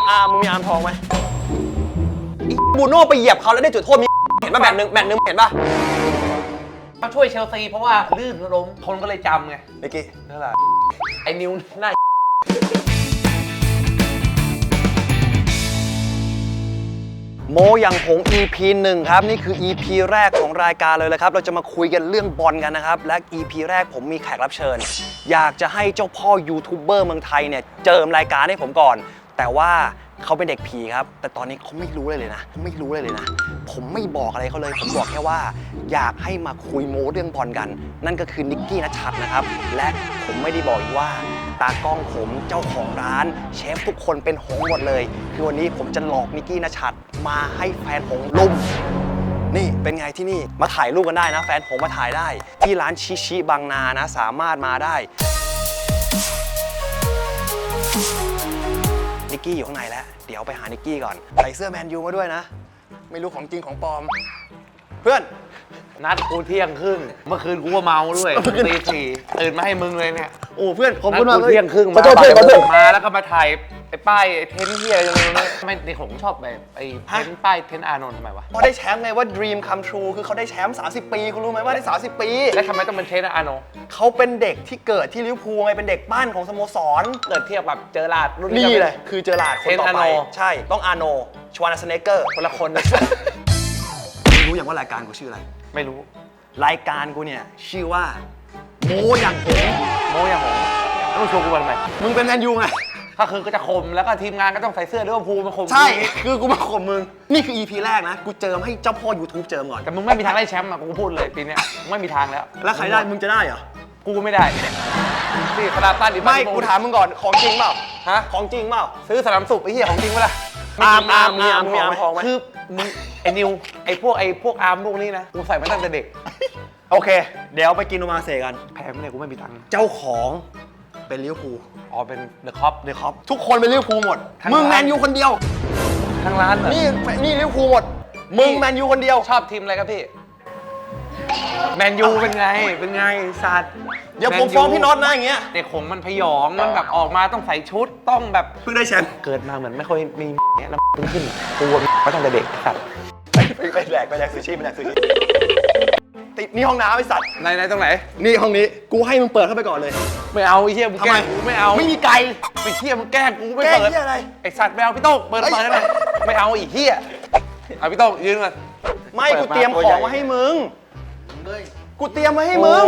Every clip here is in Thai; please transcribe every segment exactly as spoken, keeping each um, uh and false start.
อาร์มมึงมีอาร์มทองไหมบูโน่ไปเหยียบเขาแล้วได้จุดโทษมีเห็นป่ะแมตช์นึงแมตช์นึงเห็นป่ะมาช่วยเชลซีเพราะว่าลื่นล้มคนก็เลยจำไงเมื่อกี้นั่นแหละไอ้นิวหน้าโมอย่างหง อี พี หนึ่งครับนี่คือ อี พี แรกของรายการเลยเลยครับเราจะมาคุยกันเรื่องบอลกันนะครับและ อี พี แรกผมมีแขกรับเชิญอยากจะให้เจ้าพ่อยูทูบเบอร์เมืองไทยเนี่ยเจิมรายการให้ผมก่อนแต่ว่าเขาเป็นเด็กผีครับแต่ตอนนี้เขาไม่รู้เลยเลยนะเขาไม่รู้เลยเลยนะผมไม่บอกอะไรเขาเลยผมบอกแค่ว่าอยากให้มาคุยโม้เรื่องบอลกันนั่นก็คือนิกกี้ณชัดนะครับและผมไม่ได้บอกอีกว่าตากล้องผมเจ้าของร้านเชฟทุกคนเป็นหงหมดเลยคือวันนี้ผมจะหลอกนิกกี้ณชัดมาให้แฟนหงลุมนี่เป็นไงที่นี่มาถ่ายรูปกันได้นะแฟนหงมาถ่ายได้ที่ร้านชิชิบางนานะสามารถมาได้นิกกี้อยู่ข้างในแล้วเดี๋ยวไปหานิกกี้ก่อนใส่เสื้อแมนยูมาด้วยนะไม่รู้ของจริงของปลอมเพื่อนนัดกูเที่ยงครึ่งเมื่อคืนกูก็เมาด้วยตีสี่ตื่นมาให้มึงเลยเนี่ยโอ้เพื่อนขอบคุณมากเลยเที่ยงครึ่งมามาแล้วก็มาถ่ายไอ้ป้ายเทนเฮียอะไรอย่างเงี้ยทำไมในหงชอบแบบไอ้เทนป้ายเทนอานนท์ทำไมวะพอได้แชมป์ไงว่า dream come true คือเขาได้แชมป์สามสิบปีคุณรู้ไหมว่าได้สามสิบปีแล้วทำไมต้องเป็นเทนอานนท์เขาเป็นเด็กที่เกิดที่ลิเวอร์พูลไงเป็นเด็กบ้านของสโมสรเกิดเทียบแบบเจอราดรุ่นนี่เลยคือเจอราดคนต่อไปใช่ต้องอาโนชวานาสเนเกอร์คนละคนรู้อย่างว่ารายการกูชื่ออะไรไม่รู้รายการกูเนี่ยชื่อว่าโมอย่างหงโมอย่างหงต้องชวนกูมาทำไมมึงเป็นแมนยูไงถ้าคือก็จะข่มแล้วก็ทีมงานก็ต้องใส่เสื้อลิเวอร์พูลมาข่มใช่คือกูมาข่มมึงนี่คือ อี พี แรกนะกูเจิมให้เจ้าพ่อ YouTube เจิมก่อนแต่มึงไม่มีทางได้แชมป์อ่ะกูพูดเลยปีนี้ไม่มีทางแล้วแล้วใครได้มึงจะได้เหรอกูไม่ได้นี่ขนาดต้านดิไม่กูถามมึงก่อนของจริงเปล่าฮะของจริงเปล่าซื้อสนามสุบไอ้เหี้ยของจริงเปล่าอาร์มอาร์มมีอาร์มมีอาร์มทองไหมคือมึงไอ้นิวไอ้พวกไอ้พวกอาร์มพวกนี้นะกูใส่มาตั้งแต่เด็กโอเคเดี๋ยวไปกินโอมาเซกันแพ้ไม่ได้กูไม่มีตังค์เจ้าของเป็นลิเวอร์พูลอ๋อเป็นเดอะคอปเดอะคอปทุกคนเป็นลิเวอร์พูลหมดมึงแมนยูคนเดียวทั้งร้านนี่นี่ลิเวอร์พูลหมดมึงแมนยูคนเดียวชอบทีมอะไรครับพี่แมนยูเป็นไงเป็นไงสัตว์เดี๋ยวผมฟ้องพี่น็อตนะอย่างเงี้ยเด็กขงมันพยองมันแบบออกมาต้องใส่ชุดต้องแบบเพิ่งได้แชมป์เกิดมาเหมือนไม่ค่อยมีเนี้ยแล้วเพิ่งขึ้นกูก็ตั้งแต่เด็กสัตว์ไปแดกไปแดกซูชิไปแดกซูชิติดนี่ห้องน้ำไอ้สัตว์ไหนไหนตรงไหนนี่ห้องนี้กูให้มึงเปิดเข้าไปก่อนเลยไม่เอาไอ้เหี้ยมึงแกล้งกูไม่เอาไม่มีไก่ไอ้เหี้ยมึงแกล้งกูไม่เปิดอะไรไอ้สัตว์ไม่เอาพี่โต้งเปิดเปิดได้ไหมไม่เอาไอ้เหี้ยเอาพี่โต้งยืนก่อนไม่กูเตรียมของมาให้มึงกูเตรียมมาให้มึง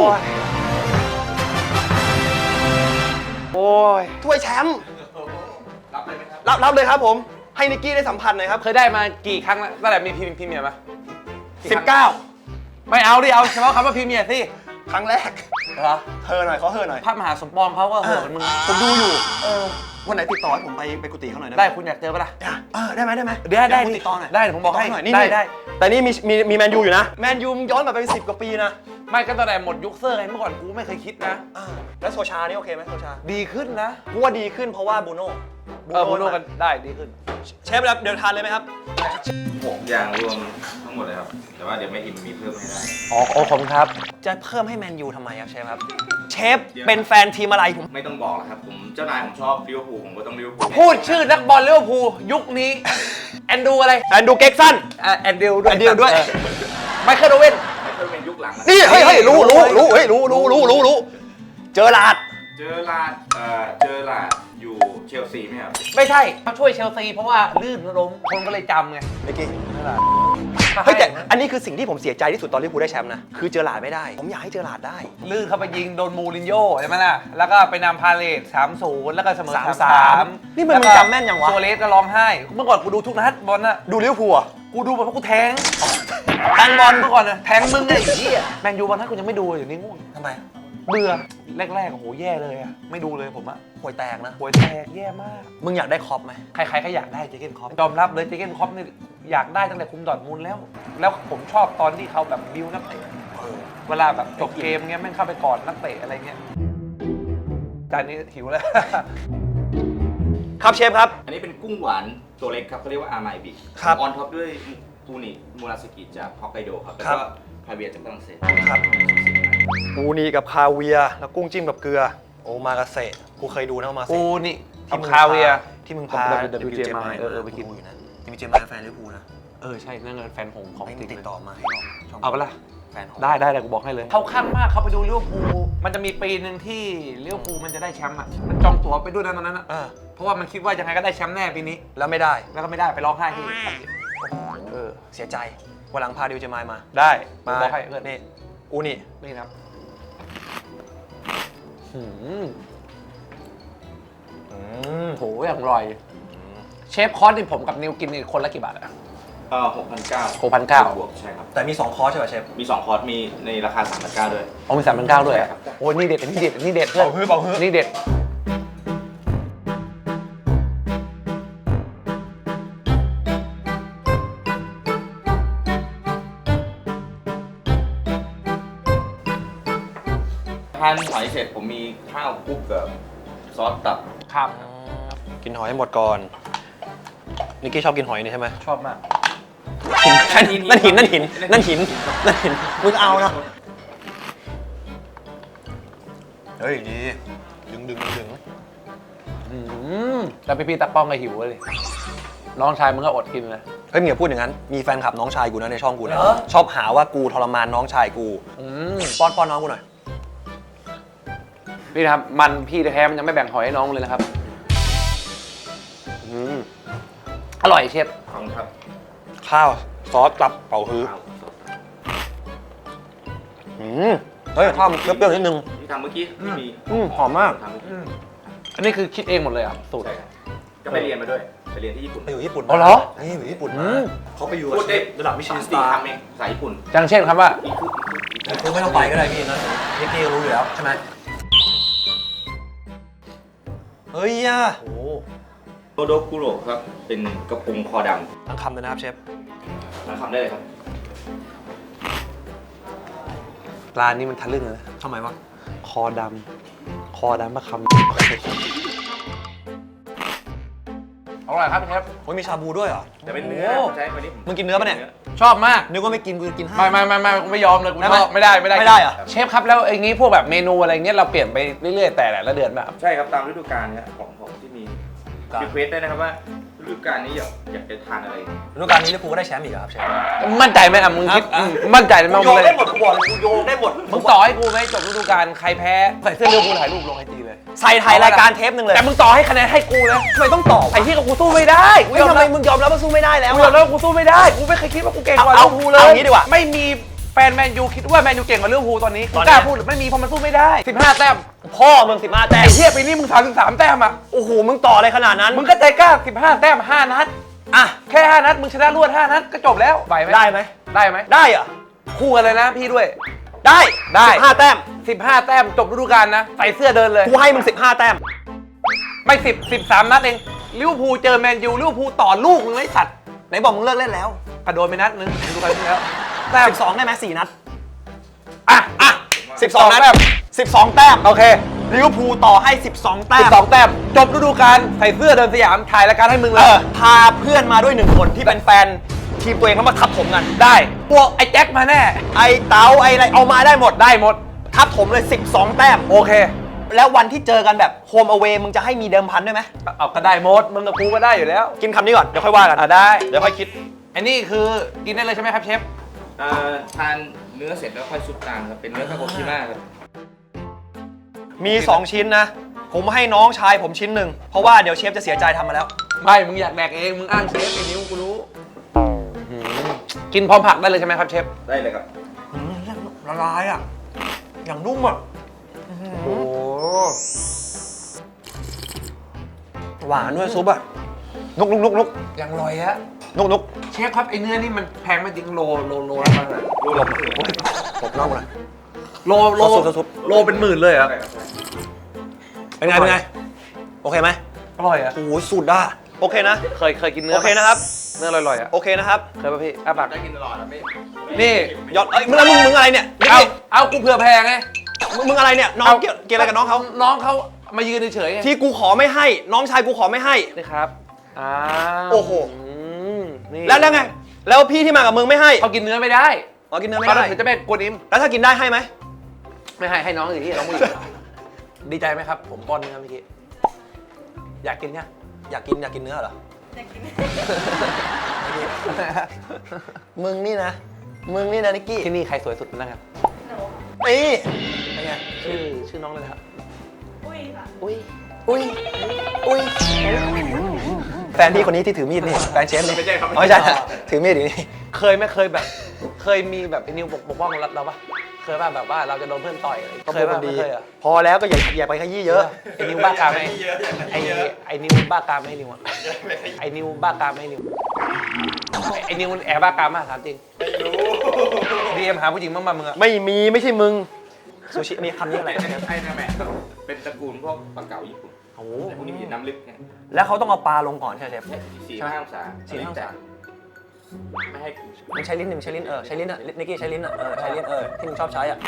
โอ้ยถ้วยแชมป์รับเลยไหมครับรับรับเลยครับผมให้นิกกี้ได้สัมผัสหน่อยครับเคยได้มากี่ครั้งแล้วตั้งแต่มีพรีพรีเมียร์มาสิบเก้าไม่เอาดิเอาเฉพาะคำว่าพรีเมียร์สิครั้งแรกเหรอเธอหน่อยเขาเธอหน่อยพระมหาสมปองเขาก็เหินมึงผมดูอยู่เออวันไหนติดต่อให้ผมไปไปกุฏิเขาหน่อยได้คุณอยากเจอปะล่ะเออได้ไหมได้ไหมได้ได้ติดต่อหน่อยได้ผมบอกให้ได้ได้แต่นี่มีมีมีแมนยูอยู่นะแมนยูย้อนกลับไปเป็นสิบกว่าปีนะไม่ก็ตั้งแต่หมดยุคเซอร์ไงเมื่อก่อนกูไม่เคยคิดนะแล้วโซชานี่โอเคไหมโซชาดีขึ้นนะกูว่าดีขึ้นเพราะว่าบูโน่เออบูโน่กันได้ดีขึ้นเชฟเดี๋ยวทานเลยไหมครับหกอย่างรวมทั้งหมดเลยครับแต่ว่าเดี๋ยวไม่อิ่มมีเพิ่มให้ได้อ๋อขอบคุณครับจะเพิ่มให้แมนยูทำไมครับเชฟครับเชฟเป็นแฟนทีมอะไรผมไม่ต้องบอกแล้วครับผมเจ้านายผมชอบลิเวอร์พูลผมก็ต้องลิเวอร์พูลพูดชื่อนักบอลลิเวอร์พูลยุคนี้แอนดูอะไรแอนดูเก็กซันแอนดิวด้วยแอนดิวด้วยไมเคิลโอเว่นไมเคิลเป็นยุคหลังนี่เฮ้ยเฮ้ยรู้รู้รู้เฮ้ยรู้รู้รู้รู้รู้เจอลาดเจอลาดเอ่อเจอลาดอยู่เชลซีไหมครับไม่ใช่เขาช่วยเชลซีเพราะว่าลื่นล้มคนก็เลยจำไงเมื่อกี้เฮ้ยแต่อันนี้คือสิ่งที่ผมเสียใจที่สุดตอนลิเวอร์พูลได้แชมป์นะคือเจอหลาดไม่ได้ผมอยากให้เจอหลาดได้ลื่นเข้าไปยิงโดนมูรินโญ่ใช่ไหมล่ะแล้วก็ไปนำพาเลทสามศูนย์แล้วก็เสมอสามสามนี่มันจำแม่นยังวะโซเลสก็ร้องไห้เมื่อก่อนกูดูทุกนัดบอลน่ะดูลิเวอร์พูลอ่ะกูดูเพราะกูแทงแทงบอลเมื่อก่อนน่ะแทงมึงไงไอ้เหี้ยแมนยูบอลนั้นกูยังไม่ดูอยู่นี่ง่วงทำไมเบื่อแรกๆโอ้โหแย่เลยอะไม่ดูเลยผมอะห่วยแตกนะห่วยแตกแย่มากมึงอยากได้คอปไหมใครๆก็อยากได้เจเกนคอปยอมรับเลยเจเกนคอปนี่อยากได้ตั้งแต่คุมดอร์ทมุนด์แล้วแล้วผมชอบตอนที่เขาแบบบิวนักเตะเวลาแบบจบเกมเงี้ยแม่งเข้าไปกอดนักเตะอะไรเงี้ยจานนี้หิวแล้วครับเชฟครับอันนี้เป็นกุ้งหวานตัวเล็กครับเขาเรียกว่าอาร์ไมบิออนท็อปด้วยปูนิมูราสกิจากฮอกไกโดครับแล้วก็คาเวียร์จากฝรั่งเศสครับปูนีกับคาเวียแล้วกุ้งจิ้มกับเกลือโอมากาเสะกูเคยดูนะโอมาเสะปูนี่ทำคาเวียที่มึงพาดับเบิลยู เจ มาเออเออไปกินอยู่นะ ดับเบิลยู เจ มาแฟนลิเวอร์พูลนะเออใช่นั่นเงินแฟนหงของไม่จริงติดเลยต่อมาให้ช่งเอาปะล่ะแฟนของได้ได้แต่กูบอกให้เลยเขาข้างมากเขาไปดูลิเวอร์พูลมันจะมีปีหนึ่งที่ลิเวอร์พูลมันจะได้แชมป์อ่ะมันจองตั๋วไปด้วยนะตอนนั้นอ่ะเออเพราะว่ามันคิดว่ายังไงก็ได้แชมป์แน่ปีนี้แล้วไม่ได้แล้วก็ไม่ได้ไปร้องไห้ที่เออเสียใจวันหลังพาดิวเจมายมาได้มาบอกให้เพื่อนนี่อูนี่นี่ครับหืมอืมโหอย่างอร่อยเชฟคอร์สนี่ผมกับนิวกินนี่คนละกี่บาทอะเอ่อหกพันเก้าหกพันเก้าบวกใช่ครับแต่มีสองคอร์สใช่ป่ะเชฟมีสองคอร์สมีในราคาสามพันเก้าด้วยเอามีสามพันเก้าด้วยอะใช่ครับโอ้ยนี่เด็ดอันนี่เด็ดอันนี่เด็ดเพื่อนเป่าฮื้อเป่าฮื้อนี่เด็ดทานหอยเสร็จผมมีข้าวคลุกกับซอสตับครับกินหอยให้หมดก่อนนิกกี้ชอบกินหอยนี่ใช่ไหมชอบมากนั่นหินนั่นหินนั่นหินนั่นหินนั่นหินมึงเอานะเฮ้ยดีดึงดึงดึงอืมแล้วพี่ๆตากล้องก็หิวเลยน้องชายมึงก็อดกินเลยเฮ้ยมึงอย่าพูดอย่างนั้นมีแฟนคลับน้องชายกูนะในช่องกูนะเหรอชอบหาว่ากูทรมานน้องชายกูอืมป้อนป้อนน้องกูหน่อยนี่นะครับมันพี่แท้ๆมันยังไม่แบ่งหอยให้น้องเลยนะครับอืมอร่อยเชฟขอบคุณครับข้าวซอสตับเป่าฮื้อข้าวอืมเฮ้ยข้าวมันเปรี้ยวๆนิดนึงที่ทำเมื่อกี้ที่มีอืมหอมมากทำเมื่อกี้อันนี้คือคิดเองหมดเลยอ่ะสูตรใช่ครับก็ไปเรียนมาด้วยไปเรียนที่ญี่ปุ่นไปอยู่ญี่ปุ่นอ๋อเหรอนี่อยู่ญี่ปุ่นอืมาม เขาไปอยู่พูดได้ระดับมิชลินสสี่ตาร์คำเองภาษาญี่ปุ่นอย่างเช่นคำว่าอีคุอีคุอีคุคือไม่ต้องไปก็ได้พี่นะพี่กี้ก็รู้อยู่แล้วใช่ไหมเฮ้ยอ่ะโอ้โตโดกุโรครับเป็นกระปุงคอดทั้งคำเลยนะครับเชฟำมาทำได้เลยครับร้านนี้มันทะลึ่งเลยนะทำไมวะคอดำคอดำมาคำอร่อยครับเชฟโอ้ยมีชาบูด้วยเหรอแต่เป็นเนื้อโอ้ใช้วันนี้มึงกินเนื้อปะเนี่ยชอบมากนึกว่าไม่กินกูจะกินให้ไม่ไม่ไม่ไม่กูไม่ยอมเลยกูได้ไหมชอบไม่ได้ไม่ได้ไม่ได้เหรอเชฟครับแล้วอย่างนี้พวกแบบเมนูอะไรเงี้ยเราเปลี่ยนไปเรื่อยๆแต่ละเดือนแบบใช่ครับตามฤดูกาลครับของของที่มีครับรีเควสได้นะครับว่าฤดูกาลนี้อยากอยากจะทานอะไรฤดูกาลนี้ลิเวอร์พูลก็ได้แชมป์อีกแล้วครับเชฟมั่นใจไหมอ่ะมึงคิดอ่ะมั่นใจไหมกูมึงโยงเลยได้หมดกูบอกเลยกูโยงได้หมดมึงต่อให้กูไหมจบฤดูกาลใครแพ้ใส่เสื้อเรือกูถ่ายรูปลงไอจีเลยใส่ถ่ายรายการเทปหนึ่งเลยแต่มึงต่อให้คะแนนให้กูเลยทำไมต้องต่อไอ้ที่กับกูสู้ไม่ได้กูไม่ยอมทำไมรับมึงยอมรับว่าสู้ไม่ได้แล้วกูยอมรับว่ากูสู้ไม่ได้กูไม่เคยคิดว่ากูเก่งกว่าเอาลิเวอร์พูลเลยเอางี้ดีกว่าไม่มีแฟนแมนยูคิดว่าแมนยูเก่งกว่าลิเวอร์พูลตอนนี้ตกูอนกเนี้ล้าย พูดไม่มีเพราะมันสู้ไม่ได้สิบห้าแต้มพ่อมึงสิบห้าแต้มไอ้เหี้ยปีนี้มึงสามสิบสามแต้มอ่ะโอ้โหมึงต่ออะไรขนาดนั้นมึงก็ใจกล้าสิบห้าแต้มห้านัดอ่ะแค่ห้านัดมึงชนะรวดห้านัดก็จบแล้วไหวไหมได้ไหมได้ไหมได้เหรอคู่กันเลยนะพี่ด้วยได้ได้สิบห้าแต้มสิบห้าแต้มจบฤดูกาลนะใส่เสื้อเดินเลยกูให้มึงสิบห้าแต้มไม่สิบสิบสามนัดเองลิเวอร์พูลเจอแมนยูลิเวอร์พูลต่อลูกมึงไอ้สัตว์ไหนบอกมึงเลิกเล่นแล้วกระโดดไปนัดนึงฤดูกาลที่แล้วแต้มสิบสองได้ไหมสี่นัดอ่ะอ่ะสิบสองนัดแต้มสิบสองแต้มโอเคลิเวอร์พูลต่อให้สิบสองแต้สิมบสองแต้มจบฤดูกาลใส่เสื้อเดินสยามถ่ายรายการให้มึงเลเอย อพาเพื่อนมาด้วยหนึ่งคนที่เป็นแฟนทีมตัวเองเขามาทับถมกันได้พวกไอ้แจ็คมาแน่ไอ้เต๋าไอ้อะไรเอามาได้หมดได้หมดทับถมเลยสิบสองแต้มโอเคแล้ววันที่เจอกันแบบโฮมอเวย์มึงจะให้มีเดิมพันด้วยไหมเอาก็ได้หมดมึงกับกูก็ได้อยู่แล้วกินคำนี้ก่อน เดี๋ยวค่อยว่ากันอ่ะได้เดี๋ยวค่อยคิดอันนี้คือกินได้เลยใช่ไหมครับเชฟเอ่อทานเนื้อเสร็จแล้วค่อยซุปตามครับเป็นเนื้อคาโกชิมะครับมี สอง ชิ้นนะ ผมให้น้องชายผมชิ้นหนึ่ง เพราะว่าเดี๋ยวเชฟจะเสียใจทำมาแล้วไม่มึงอยากแดกเองมึงอ้างเชฟไอ้นิ้วกูรู้กินพร้อมผักได้เลยใช่ไหมครับเชฟได้เลยครับละลายอ่ะ อย่างนุ่มอ่ะโอ้หวานด้วยซุปอ่ะ นุกนุกนุกนุกยังลอยอะนุกนุกเชฟครับไอ้เนื้อนี่มันแพงไหมจริงโลโลโลละประมาณรูลบตบน่องเลยโลโลซุปซุปซุปโลเป็นหมื่นเลยเหรอเป็นไง เป็นไง โอเคไหมอร่อยอะโอ้โหสุดอ่ะ โอเคนะเคยเคยกินเนื้อโอเคนะครับเนื้อลอยๆอะโอเคนะครับเคยป่ะพี่อ้าปากได้กินตลอดนะไม่นี่ยอดเอ้ยมึงมึงมึงอะไรเนี่ยนี่เอาเอากูเผื่อแพงไงมึงมึงอะไรเนี่ย น้องเกี่ยวเกี่ยวอะไรกับน้องเขาน้องเขามายืนเฉยๆไงที่กูขอไม่ให้ น้องชายกูขอไม่ให้นี่ครับอ้าวโอ้โหมนี่แล้วแล้วไง แล้วพี่ที่มากับมึงไม่ให้เขากินเนื้อไม่ได้อ๋อกินเนื้อไม่เขาได้ถือจะเป็นกวนอิมแล้วถ้ากินได้ให้ไหมไม่ให้ให้น้องสิที่น้องผู้หญิงดีใจไหมครับ ผมป้อนเนื้อเมื่อกี้อยากกินเนี่ยอยากกินอยากกินเนื้อเหรออยากกินมึงนี่นะ มึงนี่นะนิกกี้ที่นี่ใครสวยสุดนะครับหนูนี่เป็นไงชื่อชื่อน้องเลยนะครับอุ้ยค่ะอุ้ยอุ้ย อุ้ย แฟนพี่คนนี้ที่ถือมีดนี่ แฟนเชฟนี่ไม่ใช่ครับอ๋อไม่ใช่ ถือมีดอยู่นี่เคยไหมเคยแบบ เคยมีแบบไอ้นิวปกปกป้องเราปะเคยป่ะแบบว่าเราจะโดนเพื่อนต่อยอะไรเคยป่ะไม่เคยเหรอพอแล้วก็อย่าอย่าไปขยี้เยอะไอ้นิวบ้ากามไหมไอ้ไอ้นิวบ้ากามไหมนิวอะไอ้นิวบ้ากามไหมนิวไอ้นิวแอบบ้ากามมากถามจริงไม่รู้ดีเอ็มหาผู้หญิงบ้างมามึงอะไม่มีไม่ใช่มึง ซูชินี่คำนี้อะไรไอ้ไอ้นาแมะครับเป็นตระกูลพวกปลาเก๋าญี่ปุ่นโอ้โหแต่พวกนี้มีน้ำลึกแค่แล้วเขาต้องเอาปลาลงก่อนใช่ไหมเชฟสี่ห้าองศาสี่ห้าองศาไม่ให้มันใช้ลิ้นหนึ่งใช้ลิ้นเออใช้ลิ้นอ่ะนิกกี้ใช้ลิ้นอ่ะเออใช้ลิ้นเออที่มึงชอบใช้อ่ะ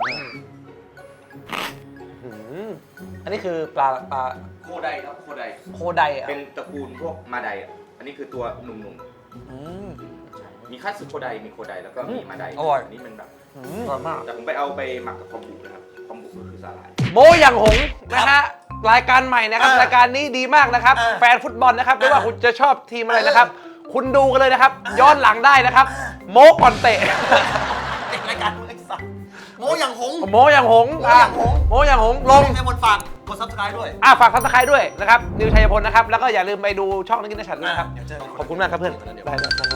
หืมอันนี้คือปลาปลาโคไดครับโคไดโคไดอะเป็นตระกูลพวกมาไดอ่ะอันนี้คือตัวหนุ่มอืมๆมีคัตสึโคไดมีโคไดแล้วก็มีมาไดอร่อยอันนี้มันแบบอืมอร่อยมากแต่ผมไปเอาไปหมักกับคอมบุนะครับคอมบุก็คือสาหร่ายโมอย่างหงส์นะฮะรายการใหม่นะครับอ่ารายการนี้ดีมากนะครับอ่าแฟนฟุตบอลนะครับไม่ว่าอ่าคุณจะชอบทีมอะไรนะครับ คุณดูกันเลยนะครับอ่าย้อนหลังได้นะครับ โมก่อนเตะเด็กรายการมึงไอ้สัสโมอย่างหงโมอย่างหงส์โมอย่างหงส์โมอย่างหงส์ลงในบนฝากกดซับสไครต์ด้วยอ่ะฝากซับสไครต์ด้วยนะครับนิวชัยพลนะครับแล้วก็อย่าลืมไปดูช่องนักกินนักฉันนะครับเดี๋ยวเจอกันขอบคุณมากครับเพื่อนเดี๋ยวได้ได้ได้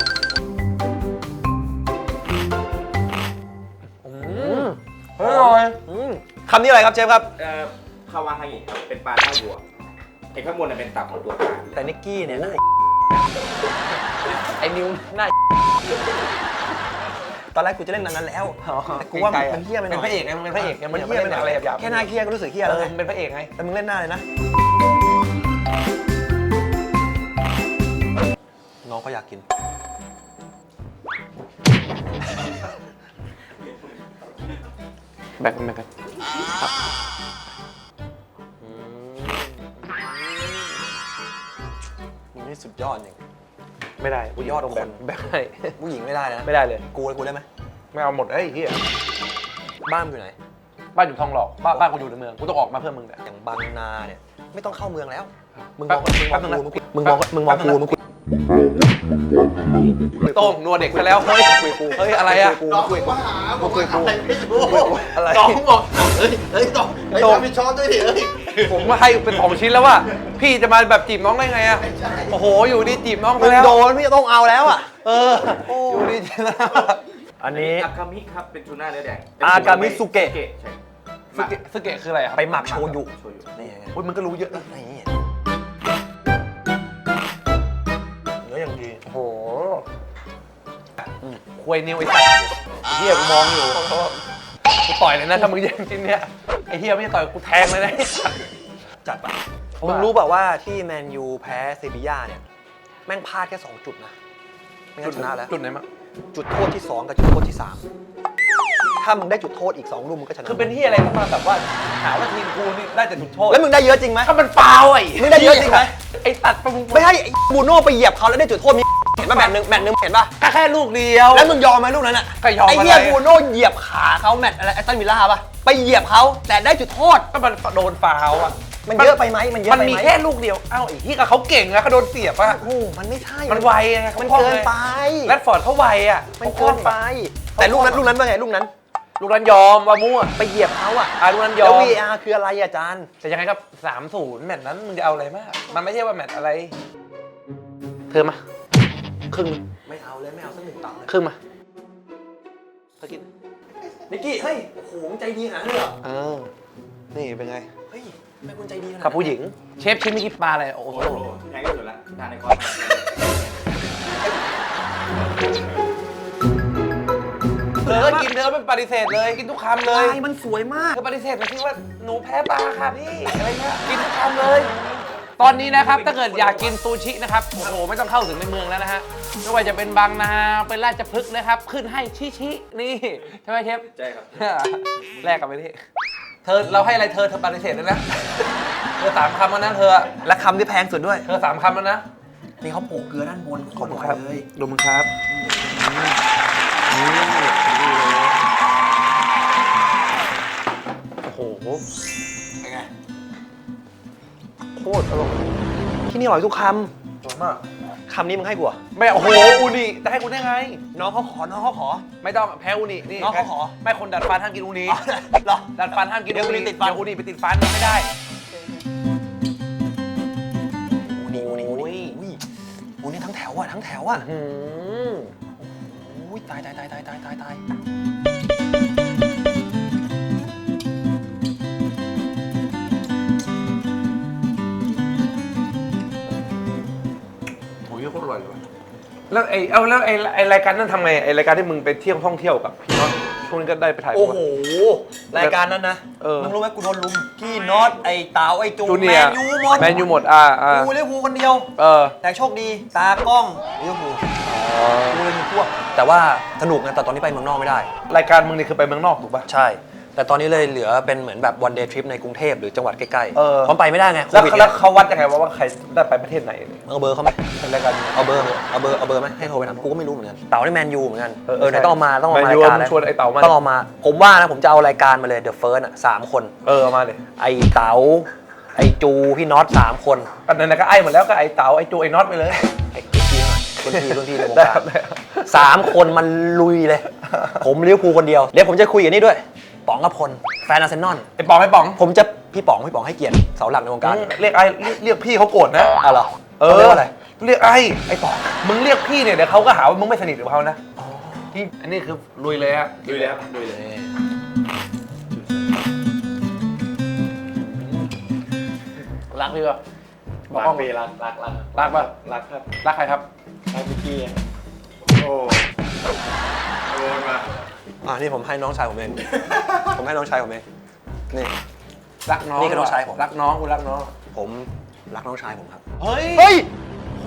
อืมอร่อยอืมคำนี้อะไรครับเชฟครับเอ่อคาวาฮางิครับเป็นปลาหน้าวัวไอ้ข้างบนน่ะเป็นตับของตัวปลาแต่นิกกี้เนี่ยน่าไอ้นิวหน้าตอนแรกกูจะเล่นนั้นแล้ว แต่กูว่ามันเฮี้ยไปหน่อยเป็นพระเอกไงมึงเป็นพระเอกไงมึงมันอย่าเฮี้ยไปหน่อยอะไรหยาบๆแค่หน้าเฮี้ยก็รู้สึกเฮี้ยเอแล้วอไงมึงเป็นพระเอกไงแต่มึงเล่นหน้าเลยนะ น้องเขาอยากกินแบ่งกันแบ่งกันมึงนี่สุดยอดจริงไม่ได้กูยอดคนแบ่งให้ผู้หญิงไม่ได้นะไม่ได้เลยกูกูได้ไหมไม่เอาหมดเอ้ยเฮียบ้านมึงอยู่ไหนบ้านอยู่ทองหล่อบ้านบ้านกูอยู่ในเมืองกูต้องออกมาเพื่อมึงเนี่ยอย่างบางนาเนี่ยไม่ต้องเข้าเมืองแล้ว มึงมแป๊อบ งมึงมองแป๊บนึงนะกูมึงมองมึงมองกูมึงคุยโต้งนัวเด็กซะแล้วเฮ้ยคุยกูเฮ้ยอะไรอะน้องคุยกูมึงคุยกูอะไรน้องบอกเฮ้ย เฮ้ยต้องเฮ้ยโต้งทำเป็นช้อนด้วยดิเฮ้ยผมมาให้เป็นสองชิ้นแล้วว่าพี่จะมาแบบจีบน้องได้ไงอะไม่ใช่โอ้โหอยู่ดีจีบน้องมึไปงแล้วโดนพี่ต้องเอาแล้วอ่ะเอออยู่ดีจีบแล้วอันนี้อากามิครับเป็นทูน่าเนื้อแดงอากามิสุเกะใช่สเกะสเกะคืออะไรอะไปหมักโชยุโชยุนี่ไงอุ้ยมันก็รู้เยอะนะนี่เนื้ออย่างดีโอ้โหควยนิวไอ้สัตว์ไอ้เฮียกูมองอยู่กูต่อยเลยนะถ้ามึงแย่งกินเนี่ยไอ้เฮียไม่ใช่ต่อยกูแทงเลยนะจัดไปเพราะมึว่างรู้เปล่าว่าที่แมนยูแพ้เซบีย่าเนี่ย แม่งพลาดแค่สองจุดนะ ไม่งั้นชนะแล้วจุดไหนมั้งจุดโทษที่สองกับจุดโทษที่สามถ้ามึงได้จุดโทษอีกสองลูกมึงก็ชนะคือเป็นที่อะไรต้องมาแบบว่าหาว่าทีมกูนี่ได้แต่จุดโทษแล้วมึงได้เยอะจริงไหมถ้ามันฟาวไอ้มึงได้เยอะจริงไหมไอ้ตัดไปมึงไม่ให้ไอ้บูโน่ไปเหยียบเขาแล้วได้จุดโทษมีเห็นป่ะแมตช์หนึงแมตช์หนึงเห็นป่ะก็แค่ลูกเดียวแล้วมึงยอมไหมลูกนั้นอ่ะก็ยอมไอ้เหี้ยอะไรบูโน่เหยียบขาเขาแมตช์อะไรแอสตันวิลล่าป่ะไปเหยียบเขาแต่ได้จุดโทษก็มันโดนฟาวอ่ะมันเยอะไปไหมมันเยอะมันไปไหมมีแค่ลูกเดียวเอ้าไอ้ที่กับเขาเก่งอะเขาโดนเสียบอะโอ้โหมันไม่ใช่มันไวไงมันขาคล่องเกินไปแรดฟอร์ดเขาไวอะมันเกินไป แต่ลูกนั้นลูกนั้นว่าไงลูกนั้นลูกนั้นยอมว่ามั่วไปเหยียบเขาอ่ะอ่ะลูกนั้นยแล้อวมวี อาร์ คืออะไรอะอาจารย์แต่ยังไงครับสามศูนย์แมตช์นั้นมึงจะเอาอะไรมากมันไม่ใช่ว่าแมตช์อะไร เธอมาครึ่งไม่เอาเลยไม่เอาสักหนึ่งตับเลยครึ่งมาเธอกินนิกกี้เฮ้ยโอ้โหมึงใจดีขนาดนั้นเลยเหรอเออนี่เป็นไงเฮ้ยไม่คุณใจดีขนาดนั้นกับผู้หญิงเชฟชิ้นเมื่อกี้ปลาอะไรโอ้โหโอ้โหแพงที่สุดละทานในคอร์สเธอก็กินเธอก็เป็นปฏิเสธเลยกินทุกคำเลยลายมันสวยมากเธอปฏิเสธไปที่ว่าหนูแพ้ปลาค่ะพี่อะไรเงี้ยกินทุกคำเลย ตอนนี้นะครับถ้าเกิดอยากกินซูชินะครับโอ้โหไม่ต้องเข้าถึงในเมืองแล้วนะฮะไม่ว่าจะเป็นบางนาเป็นราชพฤกษ์นะครับ ขึ้นให้ชิชินี่ใช่ไหมเชฟใช่ครับแลกกันไปที่เธอเราให้อะไรเธอเธอปฏิเสธแล้วนะเธอสามคำแล้วนะเธอและคำที่แพงสุดด้วยเธอสามคำแล้วนะนี่เขาโปะเกลือด้านบนโคตรอร่อยเลยดูมึงครับโอ้โหเป็นไงโคตรอร่อยที่นี่อร่อยทุกคอร่อยมากำคำนี้มึงให้กูเหรอไม่โอ้โหอูนิแต่ให้กูได้ไงน้องเขาขอน้องเขาขอไม่ต้องแพ้อูนินี่น้องเขาขอไม่คนดัดฟันห้ามกินอูนิเหรอดัดฟันห้ามกินเดี๋ยวอูนิติดฟันเดี๋ยวอูนิไปติดฟันไม่ได้อูนี่อูนี่อูนี่อุ้ยอูนี่ทั้งแถวอ่ะทั้งแถวอ่ะอืมอุ้ยตายตายตายตายตายตายตายโอ้ยโคตรอร่อยเลยว่ะแล้วไอ้เอาแล้วไอ้ไอ้รายการนั้นทำไงไอ้รายการที่มึงไปเที่ยวท่องเที่ยวกับพี่น้องช่วงนี้ก็ได้ไปถ่ายโอ้โหรายการนั้นนะเออมึงรู้ไหมกูโดนลุมพี่น็อตไอ้เต๋าไอ้จูจูแมเนียร์นยูหมดแมนยูหมดอ่าอ่ากูเลี้ยงกูคนเดียวเออแต่โชคดีตากล้องเลี้ยงกูกูเลยมีพวก แต่ว่าสนุกนะแต่ตอนนี้ไปเมืองนอกไม่ได้รายการมึงนี่คือไปเมืองนอกถูกป่ะใช่ แต่ตอนนี้เลยเหลือเป็นเหมือนแบบวันเดย์ทริปในกรุงเทพหรือจังหวัดใกล้ๆเออเพราะไปไม่ได้ไงโคแล้ววิดแล้เนี่วย เขาวัดยังไงว่าว่าใครได้ไปประเทศไหนเนี่ยเอาเบอร์เขาไหมเป็นรายการเอาเบอร์เอาเบอร์เอาเบอร์ไหมให้โทรไปถามกูก็ไม่รู้เหมือนกันเต๋าในแมนยูเหมือนกันเออเออไหนต้องเอามาต้องเอามาแมนยูรายการมึงชวนไอ้เต๋ามาต้องเอามา ผมว่านะผมจะเอารายการมาเลยเดอะเฟิร์สอ่ะสามคนเออเอามาเลยไอ้เต๋าไอ้จูพี่น็อตสามคนอันนั้นก็ไอ้หมดแล้วก็ไอ้เต๋าไอ้จูไอ้น็อตไปเลยไอ้พี่หน่อยรุ่นพี่รุ่นพี่ในวงได้การครับได้ครับสามคนมันลุยเลย ผมเลี้ยวภูลคนเดียวเดี๋ยวผมจะคุยกับนี่ด้วยป๋องกพลแฟนอาร์เซนอลไอ้ป๋องไอ้ป๋องผมจะพี่ป๋องพี่ป๋องให้เกียรติเสาหลักในวงการเรียกไอ้เรียกเรียกพี่เขาโกรธนะอ่ะเหรอเอต้องอเรียกว่าอะไรเรียกไอ้ไอ้ป๋องมึงเรียกพี่เนี่ยเดี๋ยวเขาก็หาว่ามึงไม่สนิทกับเขานะนี่อันนี้คือลุยเลยฮะดูเลยครับดูเลยรักพี่ป่ะรักปีรักรักรักรักป่ะรักครับรักใครครับรักพี่กี้โอ้โดนมาอ่ะนี่ผมให้น้องชายผมเอง ผมให้น้องชายผมเองนี่รักน้องนี่คือน้องชายผมรักน้องกูรักน้องผมรักน้องชายผมครับเฮ้ยเฮ้ยโห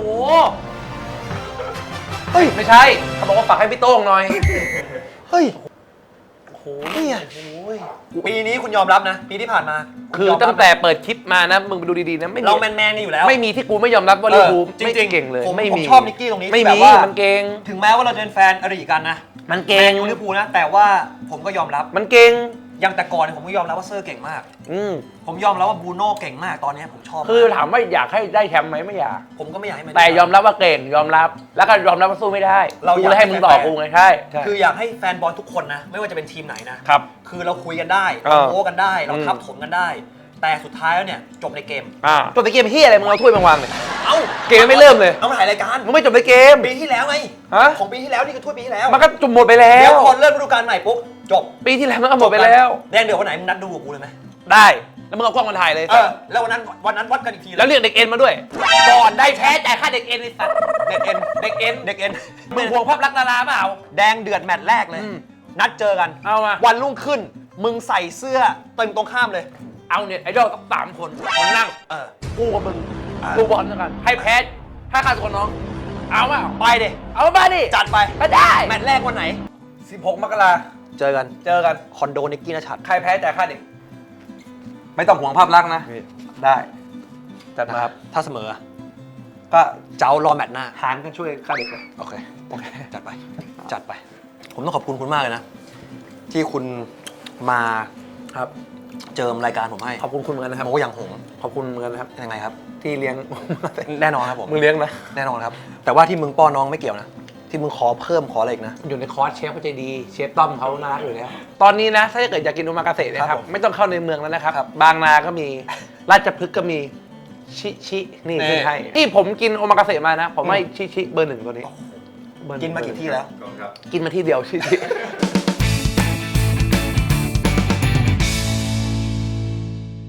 เฮ้ยไม่ใช่เขาบอกว่าฝากให้พี่โต้งหน่อยเฮ้ยโอ้โหนี่ไงโอ้ยปีนี้คุณยอมรับนะ ปีที่ผ่านมาคือตั้งแต่เปิดคลิปมานะมึงไปดูดีๆนะไม่มีเราแมนแมนๆกันอยู่แล้วไม่มีที่กูไม่ยอมรับว่าลิเวอร์พูลเออจริงๆไม่เก่งเลยผมไม่ผมมีชอบนิกกี้ตรงนี้ไม่ที่มีแบบว่ามันเก่งถึงแม้ว่าเราจะเป็นแฟนอริกันนะมันแมเก่งนยูลิเวอร์พูลนะ แต่ว่าผมก็ยอมรับมันเก่งอย่างแต่ก่อนเนี่ยผมก็ยอมรับว่าเซอร์เก่งมากอืมผมยอมรับว่าบรูโน่เก่งมากตอนนี้ผมชอบคือมากถามว่าอยากให้ได้แชมป์ไหมไม่อยากผมก็ไม่อยากให้มันแต่ยอมรับว่าเก่งยอมรับ แล้วก็ยอมรับว่าสู้ไม่ได้เรากูอยากเลยให้มึงต่อกูไงใช่ใช่คืออยากให้แฟนบอลทุกคนนะ ไม่ว่าจะเป็นทีมไหนนะครับคือเราคุยกันได้เอเราอโม้กันได้ เราอืมทับถมกันได้ แต่สุดท้ายแล้วเนี่ยจบในเกมอ่าจบในเกมที่อะไรมึงเอาถ้วยมาวางเลยเอ้าเกมยังไม่เริ่มเลยเอามาถ่ายรายการมึงไม่จบในเกมปีที่แล้วไงฮะของปีที่แล้วนี่คือถ้วยปีที่แล้วมันก็จบหมดไปแล้เดี๋ยว วพอเริ่มฤดูกาลใหม่ปุ๊บจบปีที่แล้วมันก็หมดไปแล้วแดงเดือดวันไหนมึงนัดดูกับกูเลยไหมได้แล้วมึงเอากล้องมาถ่ายเลยเออแล้ววันนั้นวันนั้นวัดกันอีกทีแล้วเรียกเด็กเอ็นมาด้วย ก่อนได้แพ้จ่ายค่าเด็กเอ็นไอ้สัตว์เด็กเอ็นเด็กเอ็นเด็กเอ็นมึงห่วงภาพลักษณ์ดาราเปล่าแดงเดือดแมตช์แรกเลยอืมนัดเจอกันเอามาวันรุ่งขึ้น มึงใส่เสื้อเต็มตรงข้ามเลยเอาเนี่ยไอดอลต้องสามคนมึงนั่งเออกูกับมึงดูบอลด้วยกันให้แพ้ให้ค่าตัวน้อง เอาเปล่าไปดิเอามาดิจัดไปก็ได้แมตช์แรกวันไหนสิบหกมกราเจอกันเจอกันคอนโดนิกกี้นชัดใครแพ้จ่ายค่าเด็ก ไม่ต้องห่วงภาพลักษณ์นะ ได้จัดนะมาคครัรับบ ถ้าเสมอก็เจ้ารอแมตช์หน้าหารกันช่วยค่าเด็กเลยโอเค โอเค จัดไป จัดไป ผมต้องขอบคุณคุณมากเลยนะ ที่คุณมาครับเจิมรายการผมให้ขอบคุณคุณเหมือนกันนะครับโมอย่างหงขอบคุณเหมือนกันนะครับยังไงครับที่เลี้ยงแน่นอนครับผมมึงเลี้ยงนะแน่นอนครับ แต่ว่าที่มึงป้อนน้องไม่เกี่ยวนะ ที่มึงขอเพิ่มขออะไรอีกนะอยู่ในคอร์สเชฟเขาใจดีเชฟต้อมเขาน่ารักอยู่แล้วตอนนี้นะถ้าเกิดอยากกินโอมากาเสะเนยคครัรับบ ผมไม่ต้องเข้าในเมืองแล้วนะครับครับบางนาก็มีราชพฤกษ์ก็มีชิชินี่นี่ขึ้นให้ที่ผมกินโอมากาเสะมานะ ผมให้ชิชิเบอร์หนึ่งตัวนี้เบอร์หงกินมากี่ที่แล้วขอบคุณครับกินมาที่เดียวชิชิ